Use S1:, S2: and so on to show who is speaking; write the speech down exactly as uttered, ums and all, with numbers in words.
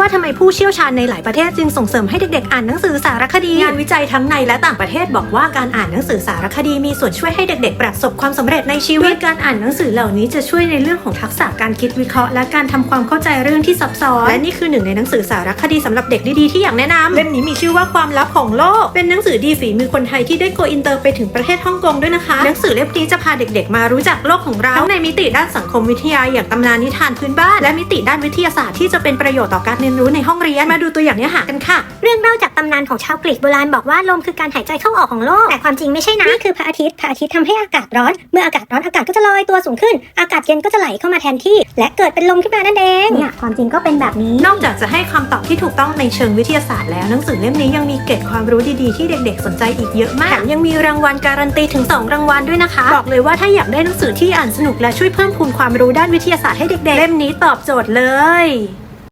S1: ว่าทำไมผู้เชี่ยวชาญในหลายประเทศจึงส่งเสริมให้เด็กๆอ่านหนังสือสารคดีงานวิจัยทั้งในและต่างประเทศบอกว่าการอ่านหนังสือสารคดีมีส่วนช่วยให้เด็กๆประสบความสำเร็จในชีวิตการอ่านหนังสือเหล่านี้จะช่วยในเรื่องของทักษะการคิดวิเคราะห์และการทำความเข้าใจเรื่องที่ซับซ้อนและนี่คือหนึ่งในหนังสือสารคดีสำหรับเด็กดีๆที่อยากแนะนำเล่มนี้มีชื่อว่าความลับของโลกเป็นหนังสือดีฝีมือคนไทยที่ได้โกอินเตอร์ไปถึงประเทศฮ่องกงด้วยนะคะหนังสือเล่มนี้จะพาเด็กๆมารู้จักโลกของเราทั้งในมิติด้านสังคมวิทยาอย่างตำนานนิทานพื้นบ้านและมิติด้านวิทยาศาสตร์ที่จะเป็นประโยชน์ต่อการเรียนรู้ในห้องเรียนมาดูตัวอย่างเนื้อหากันค่ะ
S2: เรื่องเล่าจากตำนานของชาวกรีกโบราณบอกว่าลมคือการหายใจเข้าออกของโลกแต่ความจริงไม่ใช่นะนี่คือพระอาทิตย์พระอาทิตย์ทำให้อากาศร้อนเมื่ออากาศร้อนอากาศก็จะลอยตัวสูงขึ้นอากาศเย็นก็จะไหลเข้ามาแทนที่และเกิดเป็นลมขึ้นมานั่นเองเนี่ยความจริงก็เป็นแบบนี้
S1: นอกจากจะให้คำตอบที่ถูกต้องในเชิงวิทยาศาสตร์แล้วหนังสือเล่มนี้ยังมีเกร็ดความรู้ดีๆที่เด็กๆสนใจอีกเยอะมากแถมยังมีรางวัลการันตีถึงสองรางวัลด้วยนะคะบอกเลยว่าถ้าอยากได้หนังสือที่อ่านสนุกและช่วยเพิ่มพูนความรู้ด้านวิทยาศาสตร์ให้เด็กๆเล่มนี้ตอบโจทย์เลย